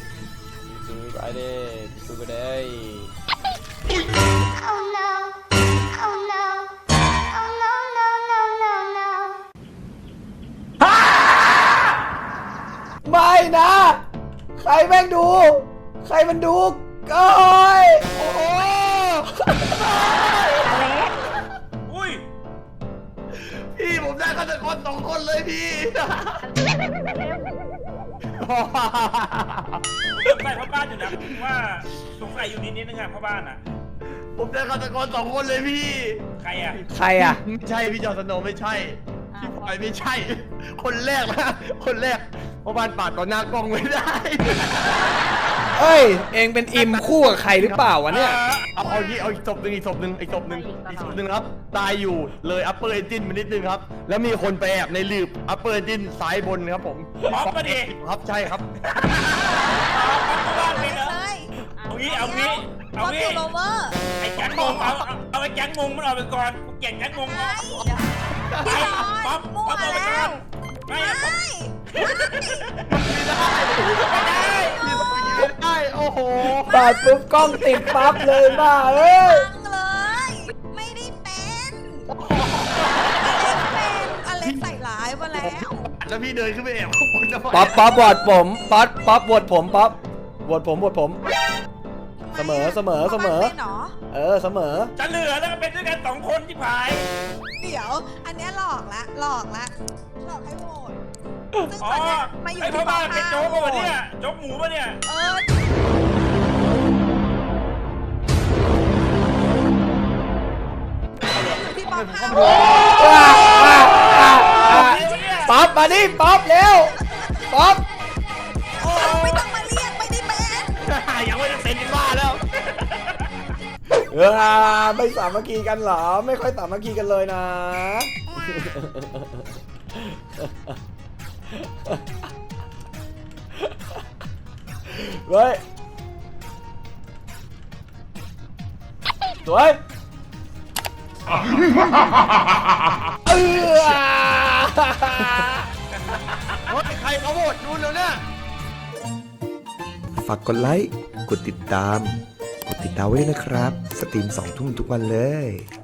ซื้อไปดิซื้อไปได้ Oh no. Oh no. Oh no, no, no, no, no. ไม่นะ ใครแม่งดู ใครมันดูก้อยโอ้โหอุ้ยพี่ผมได้ฆาตกร2 คนเลยพี่สงสัยพ่อบ้านอยู่นะผมว่าสงสัยอยู่นิดนึงอะพ่อบ้านอะผมได้ฆาตกร2 คนเลยพี่ใครอะใครอ่ะไม่ใช่พี่จอร์นสโนว์ไม่ใช่พี่พลอยไม่ใช่ คนแรกนะคนแรกเพราะบ้านปาดต่อหน้ากล้องไม่ได้เอ้ย เองเป็นอิมคู่กับใครหรือเปล่าวะเนี่ยเอาอีกศพหนึ่งอีกศพหนึ่งครับตายอยู่เลย upper engine มานิดนึงครับ แล้วมีคนไปแอบในหลืบ upper engine ซ้ายบนครับผมป๊อปมาดิครับใช่ครับพ่อบ้านเป็นเหรอเลยเอางี้เอางี้บเอาอสงี้ทูโรเวอร์ไอ้แก๊งงงเอาไอ้แก๊งงงมันออกไปก่อนกูเกลียดแก๊งงงไม่ไอ้พี่บป๊ออปสมั่วป๊อปเอาไปแล้ก่อวนไม่ไม่อะป๊อปไม่ได้ โอ้โหปาดปุ๊บกล้องติดปั๊บเลยบ้าเอ้ยฟังเลย ไม่ได้เป็นอเล็กใส่ร้ายมาแล้วแล้วพี่เดินขึ้นไปแอบข้างบนทำไมป๊อปโหวตผมป๊อปโหวตผมป๊อปโหวตผม เสมอเป็นเหรอเออเสมอจะเหลือแล้วก็เป็นด้วยกัน2 คนที่ผายเดี๋ยว อันเนี้ยหลอกละหลอกให้โหวตซึ่งอ๋อตอนเนี้ยมาอยู่ไอ้พ่ที่อบ้านเป็นโจ๊กโหวป่ะตเนี่ยโจ๊กหมูป่ะเนี่ยเออที่ป๊อปห้าโหวตป๊อปมาดิป๊อปเร็วป๊อปไม่ต้องมาเรียกไม่ได้เป็นยังไม่ได้เป็นบ้าแล้วไม่สามัคคีกันเหรอ ไม่ค่อยสามัคคีกันเลยนะเฮ้ยสวยเฮ้ยใครเขาโหวตนู่นแล้วเนี่ยฝากกดไลค์ กดติดตาม กดติดดาวไว้ด้วยนะครับ สตรีม2 ทุ่มทุกวันเลย